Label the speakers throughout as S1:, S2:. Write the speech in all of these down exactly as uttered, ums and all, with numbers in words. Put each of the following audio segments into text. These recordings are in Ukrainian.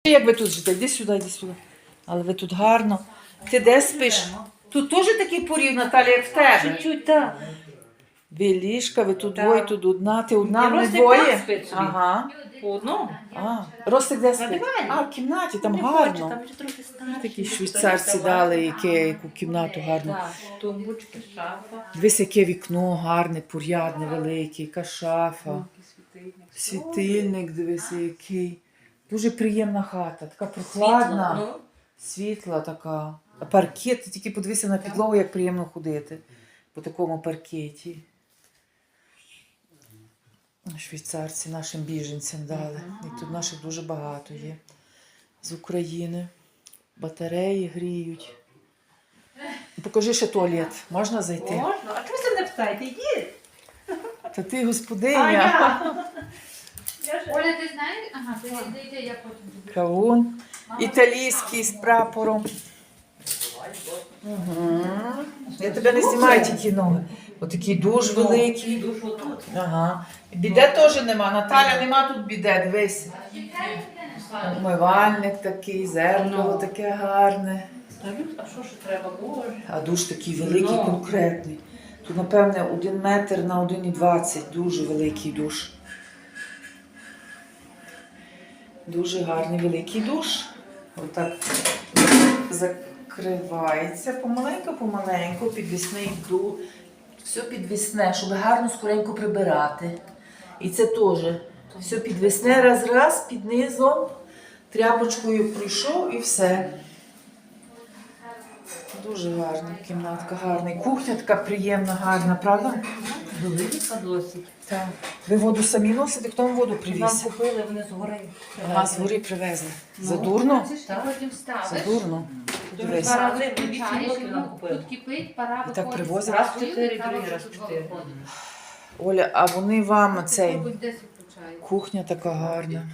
S1: Як ви тут живете? Йди сюди, йди сюди. Але ви тут гарно. Ти де спиш? Тут теж такий порів, Наталя, як в тебе?
S2: Чуть-чуть, так.
S1: Ви ліжка, ви тут
S2: Так.
S1: двоє, тут одна, ти одна,
S2: І
S1: ми
S2: Ростик
S1: двоє.
S2: там спить собі.
S1: Ага.
S2: По одному.
S1: А, Ростик де
S2: На
S1: спить?
S2: дивані.
S1: А, в кімнаті, там
S2: Не
S1: гарно.
S2: хоче, там вже трохи старший.
S1: Такі швейцарці дали, яке, яку кімнату гарну.
S2: Так, тумбочки, шафа.
S1: Дивись, яке вікно гарне, порядне, велике, яка шафа.
S2: Світильник.
S1: Світильник, дивися, який. Дуже приємна хата, така прохладна,
S2: Світло,
S1: світла така. А паркет, ти тільки подивися на підлогу, як приємно ходити по такому паркеті. Швейцарці нашим біженцям дали. І тут наших дуже багато є. З України. Батареї гріють. Покажи ще туалет. Можна зайти?
S2: ну. Можна? А чого ви не питаєте? Йдіть.
S1: Та ти
S2: А
S1: господиня.
S2: я?
S3: Оля, ти знаєш? Ага, ти йди, йди, я потім буду.
S1: Кавун. Італійський з прапором. Угу. Я тебе не знімаю тільки ноги. Отакий душ великий.
S2: Душ отут.
S1: Ага. Біде теж нема. Наталя, нема тут біде, дивись. Умивальник такий, зеркало таке гарне.
S2: Та люд, а що ж треба? Боже.
S1: А душ такий великий, конкретний. Тут, напевне, один метр на один і двадцять. Дуже великий душ. Дуже гарний великий душ. Отак закривається помаленьку-помаленьку, підвісний душ. Все підвісне, щоб гарно скоренько прибирати. І це теж. Все підвісне, раз-раз, під низом, тряпочкою пройшов і все. Дуже гарна кімнатка, гарна. Кухня така приємна, гарна, правда?
S2: Велика досить.
S1: Так. Ви воду самі носите, хто вам воду
S2: Нам
S1: привіз?
S2: купили, вони згори.
S1: Ага, з гори привезли. Задурно?
S3: Ти потім ставиш.
S1: Задурно. Дивись.
S2: Два рази вісім
S3: Включаєш,
S2: років нам
S3: його,
S2: купили.
S3: тут кипить, пара
S1: І так
S3: виходить.
S1: привозять?
S2: Раз в чотири, другий раз в
S3: Тут
S2: чотири.
S3: виходить.
S1: Оля, а вони вам цей,
S3: Попробуй, десь включають.
S1: кухня така гарна,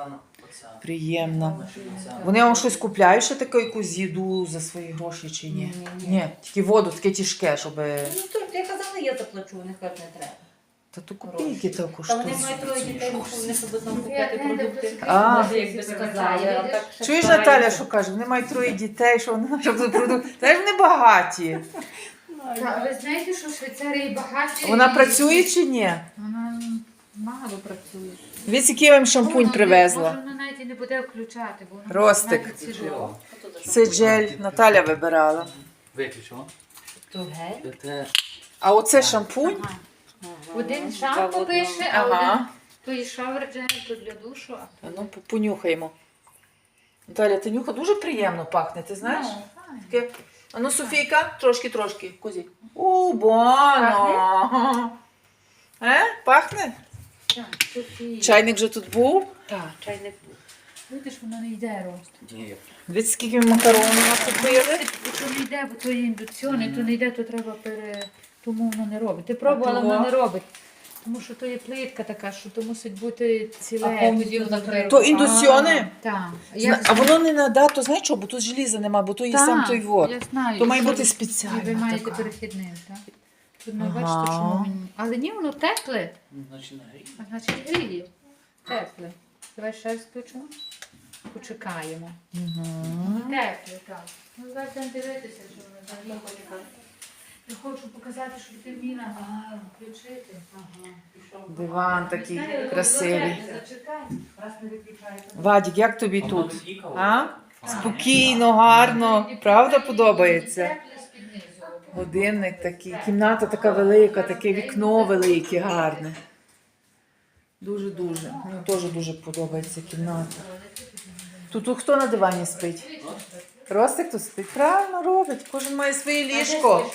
S1: приємна. Вони вам щось купляють, ще таку якусь їду за свої гроші чи ні?
S2: Ні, ні.
S1: Ні, тільки воду, таке тяжке, щоб...
S2: Ну, то я казала, я заплачу, вони кажуть, не треба.
S1: Та то копійки то
S2: Та
S1: коштує.
S2: вони мають троє дітей, вони себе там купити
S3: Я не
S2: продукти.
S3: люблю
S1: А.
S2: Може, якби сказали, а так ще
S1: Чуєш,
S2: стараються.
S1: Наталя, що каже? Вони мають троє дітей, що вони щоб тут продукт. Та ж вони багаті.
S3: Та, ви знаєте, що в Швейцарії багаті...
S1: Вона
S3: і-
S1: працює чи ні?
S3: Вона мало працює.
S1: Дивіться, який я вам шампунь
S3: Може,
S1: привезла.
S3: Може, вона навіть і не буде включати, бо вона
S1: Ростик.
S3: навіть ціло.
S1: Це джель Наталя вибирала.
S4: Виключила.
S2: То гель?
S4: Це
S1: А оце шампунь?
S3: Ага.
S2: Ага.
S3: Один
S2: Два в
S3: шампу
S2: одному.
S3: пише, а
S1: Ага.
S3: один то і шавер джель, то для душу, а
S1: А ну, по- понюхаємо. Наталя, ти нюха дуже приємно пахне, ти знаєш?
S3: Ну, файно.
S1: Таке. А ну, Софійка, трошки-трошки. Козі. У, бано. Е? Пахне?
S3: Так, Софія.
S1: Чайник вже тут був.
S2: Так, чайник.
S3: Видиш, воно не йде рост.
S4: ні.
S1: Дивіться, скільки ми макаронів накупили.
S3: То не йде, бо то є індукціони, то не йде, то треба пере... Тому воно не робить. Ти пробувала,
S1: А того?
S3: воно не робить. Тому що то є плитка така, що то мусить бути ціле.
S2: А повністю закрито.
S1: То індукціони?
S3: Так.
S1: Зна- А воно не на то знаєш що, бо тут желіза нема, бо то є сам той вод.
S3: Я знаю.
S1: То має
S3: І
S1: бути
S3: що-
S1: спеціально
S3: І ви маєте
S1: така.
S3: перехідним, так? Тут не
S1: Ага.
S3: бачите, чому він... Але ні, воно тепле.
S4: Значить, нагрій.
S3: А значить гріє. Тепле. Давай ще раз включимо. Почекаємо.
S1: Мгм.
S3: Тепле, так. Ну, зараз будемо дивитися, що воно взагалі хоче. Я хочу показати, щоб ти вміла а, включити. Ага. Пішов.
S1: Диван такий
S3: Знаєте,
S1: красивий.
S3: зачекай, Зачекай.
S2: Раз не виключаєте.
S1: Вадік, як тобі
S4: Воно
S1: тут?
S4: від'їхало.
S1: А? Спокійно, гарно. Правда подобається?
S3: Тепле з-під низу.
S1: Годинник такий, кімната така велика, таке вікно велике, гарне. Дуже-дуже. Мені теж дуже подобається кімната. Тут хто на дивані спить? Ростик тут спить. Правильно робить. Кожен має своє ліжко.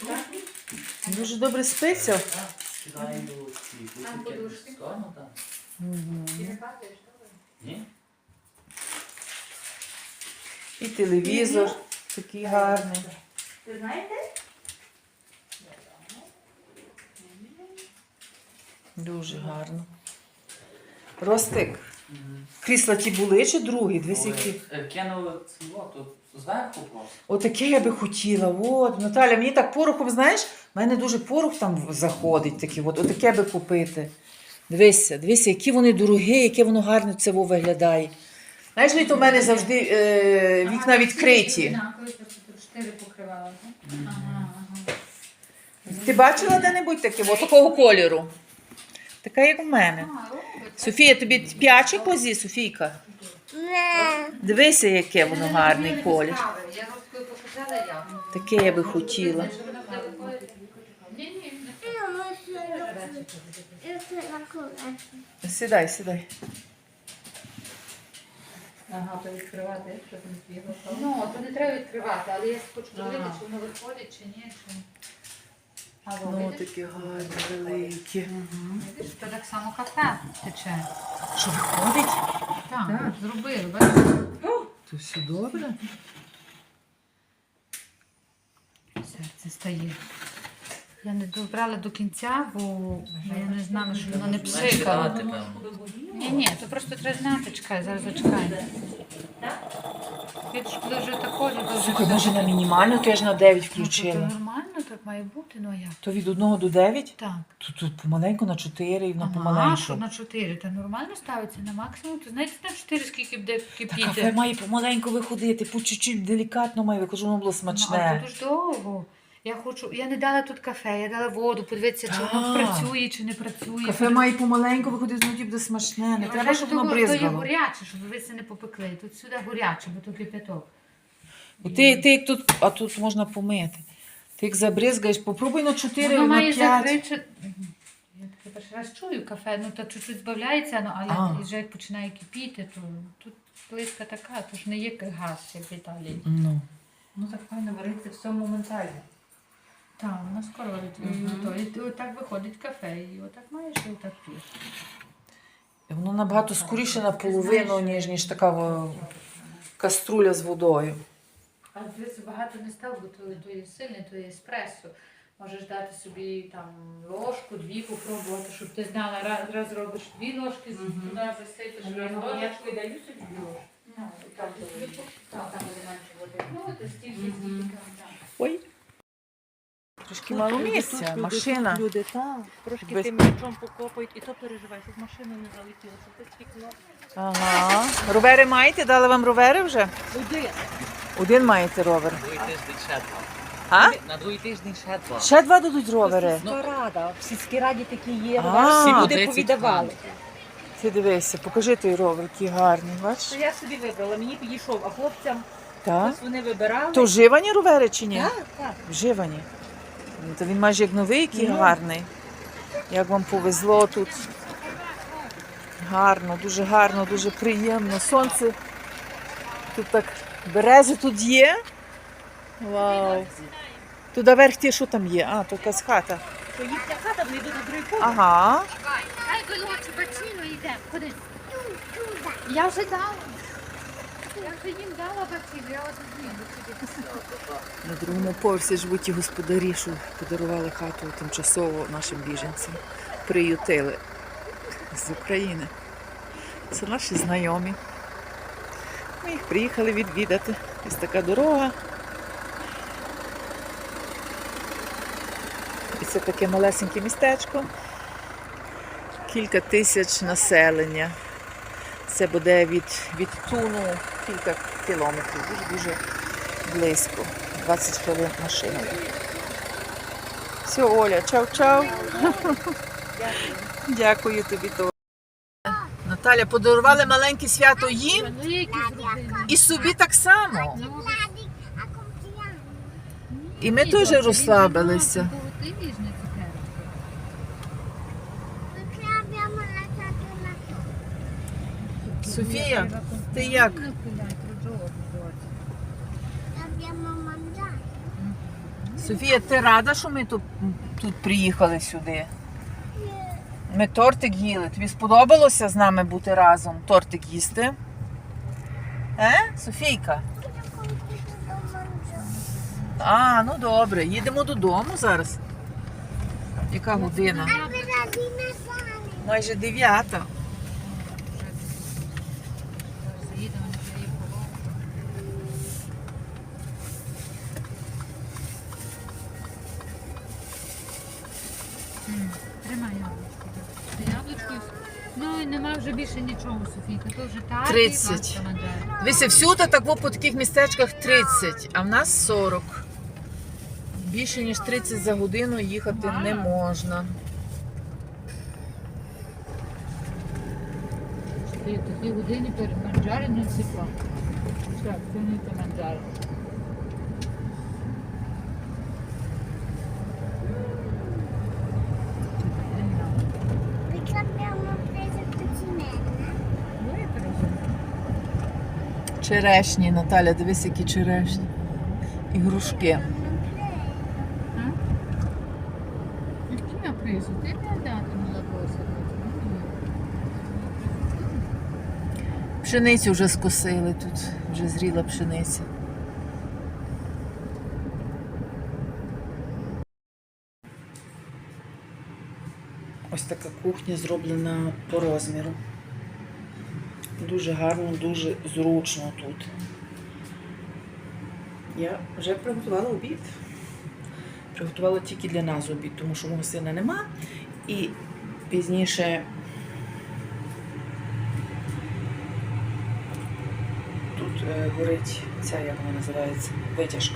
S1: Дуже добре спиться.
S4: Скидаю ці бутики з скану, так. Ні?
S1: І телевізор такий гарний.
S2: Ви знаєте?
S1: Дуже гарно. Ростик, крісла ті були чи другі? Дивись, які.
S4: Е, Кинули цього, то зверху просто.
S1: Отаке я би хотіла. От, Наталя, мені так порохом, знаєш, в мене дуже порох там заходить такий. От, отаке би купити. Дивися, дивися, які вони дорогі, яке воно гарне це во виглядає. Знаєш, літо в мене завжди е, вікна відкриті.
S3: Однакові, просто тут чотири покривала, так? Ага, ага.
S1: Ти бачила де-небудь таке? Ось такого кольору. Така, як у мене.
S3: А, робить.
S1: Софія, тобі п'яче козі, Софійка? Дивися, яке воно гарний колір.
S2: Я розкою показала я.
S1: Таке я би хотіла.
S3: Ні, ні, не
S1: Сідай, сідай.
S2: Ага, то відкривати, щоб не збігло.
S3: Ну, то не треба відкривати, але я хочу подивитися, чи воно виходить, чи ні. Чи... А
S1: Ну,
S3: видиш?
S1: такі гарні, великі.
S3: Видиш, то так само кафе тече.
S1: Що виходить?
S3: Так, зробили, бачиш?
S1: То все добре.
S3: Серце стає. Я не добрала до кінця, бо я не знала, що воно не пшикало.
S4: Чекати, певно.
S3: Ні, ні, то просто треба знати, чекай, зараз зачекай. Видиш, коли вже такої, то вже...
S1: Слухай, може на мінімальну, то я ж на дев'ять
S3: Ну, то
S1: включила.
S3: нормально, так має бути, ну а як?
S1: То від одного до дев'ять?
S3: Так.
S1: Тут, тут помаленьку на чотири і на
S3: Ага, що
S1: помаленьку.
S3: на чотири, та нормально ставиться на максимум. То знаєте, на чотири скільки буде
S1: Та кафе
S3: кипіти?
S1: має помаленьку виходити, по чуть-чуть делікатно має виходити, щоб воно було
S3: Ну, а
S1: смачне.
S3: тут ж довго. Я хочу, я не дала тут кафе, я дала воду, подивитися, чи воно
S1: Так.
S3: працює, чи не працює.
S1: Кафе має помаленьку виходити, воно буде смачне. Не
S3: Я
S1: треба,
S3: вважаю,
S1: щоб
S3: що
S1: воно
S3: то, то є
S1: бризгало.
S3: горяче, щоб ви це не попекли. Тут сюди горяче, бо то кипяток.
S1: Бо Ти, ти як тут, а тут можна помити. Ти як забризгаєш, попробуй на чотири,
S3: Воно
S1: на
S3: має
S1: п'ять.
S3: закричати. Я таке перший раз чую кафе, ну та чуть-чуть збавляється, ну, але
S1: А.
S3: вже як починає кипіти, то тут плитка така, то ж не є газ, як в Італії.
S1: Ну.
S2: Ну так файно вариться все моментально.
S3: Так, воно скоро варить. І отак виходить кафе, і отак маєш, і отак п'єш.
S1: І воно набагато скоріше наполовину, ніж, ніж така о, каструля з водою.
S3: А дивіться, багато не став, бо то, то є сильне, то є еспресо. Можеш дати собі там ложку, дві попробувати, щоб ти знала, раз, раз робиш дві ложки, туди засипеш, раз ложечку.
S2: даю собі ложку.
S3: Ну, і там,
S2: Там буде менше води.
S3: ну, то стільки, скільки там.
S1: Ой. Трошки мало місця, машина.
S2: Люди, так. Трошки
S1: Без-
S2: тим м'ячом покопають, і то переживай, щоб машина не залетіла, щоб ти стікло.
S1: Ага. Ровери маєте? Дали вам ровери вже?
S2: Один.
S1: Один маєте ровер.
S4: Другий тиждень ще два.
S1: А?
S4: На другий тиждень ще два.
S1: Ще два дадуть ровери.
S2: Сільська рада. В сільській раді такі є.
S1: А.
S2: Всі
S1: Всі
S2: люди
S4: тридцять
S2: повідавали.
S1: Ти дивися, покажи той ровер, який гарний, бачиш?
S2: То я собі вибрала, мені підійшов, а хлопцям
S1: Так.
S2: ось вони вибирали.
S1: То вживані ровери чи ні?
S2: Так, так.
S1: Вживані. Ну, то він майже як новий, який
S2: Ну.
S1: гарний. Як вам повезло тут. Гарно, дуже гарно, дуже приємно. Сонце. Тут так берези тут є. Вау. Туди верх ті, що там є? А, то якась хата.
S2: То їхня хата, вони йдуть на другий поверх.
S1: Ага.
S3: Хай вилочі бачину йде, ходи. Я вже дала. Я вже їм дала бачину, я от їм
S1: На другому поверсі живуть ті господарі, що подарували хату тимчасово нашим біженцям. Приютили з України. Це наші знайомі. Ми їх приїхали відвідати. Ось така дорога. І це таке малесеньке містечко. Кілька тисяч населення. Це буде від, від Туну кілька кілометрів. Дуже-дуже близько. двадцять хвилин машиною. Все, Оля, чау-чау. Дякую тобі. То. Наталя, подарували маленьке свято їм і собі так само. І ми теж розслабилися. Софія, ти як? Софія, ти рада, що ми тут, тут приїхали сюди? Ми тортик їли. Тобі сподобалося з нами бути разом? Тортик їсти? Е, Софійка? А, ну добре. Їдемо додому зараз. Яка година? Майже дев'ята.
S3: Тримай яблучко. Яблучко. Ну і нема Нема вже більше нічого, Софійка, то вже так.
S1: тридцять. Дивіться, всюди так по таких містечках тридцять, а в нас сорок. Більше ніж тридцять за годину їхати не можна.
S3: Ти такі години перед манджари не ціпла. Все, це не те манджари.
S5: Perché abbiamo preso cucinella?
S3: Ну, і перезумно.
S1: Черешні, Наталя, дивись, які черешні. І грушки.
S5: Non preso.
S3: І chi ha preso? Te ne hai dato nella borsa?
S1: Пшеницю вже скосили тут, вже зріла пшениця. Ось така кухня зроблена по розміру. Дуже гарно, дуже зручно тут. Я вже приготувала обід. Приготувала тільки для нас обід, тому що мого сина нема. І пізніше тут е, горить ця, як вона називається, витяжка.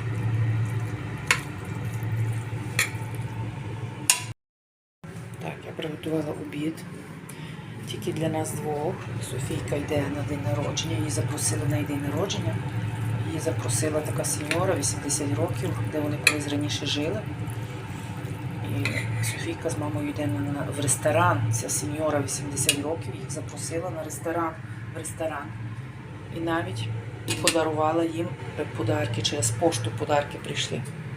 S1: Так, я приготувала обід. Тільки для нас двох. Софійка йде на день народження, її запросили на її день народження. Її запросила така сеньора, вісімдесят років, де вони колись раніше жили. І Софійка з мамою йде на, в ресторан. Ця сеньора вісімдесят років їх запросила на ресторан, в ресторан. І навіть подарувала їм подарки, через пошту подарки прийшли.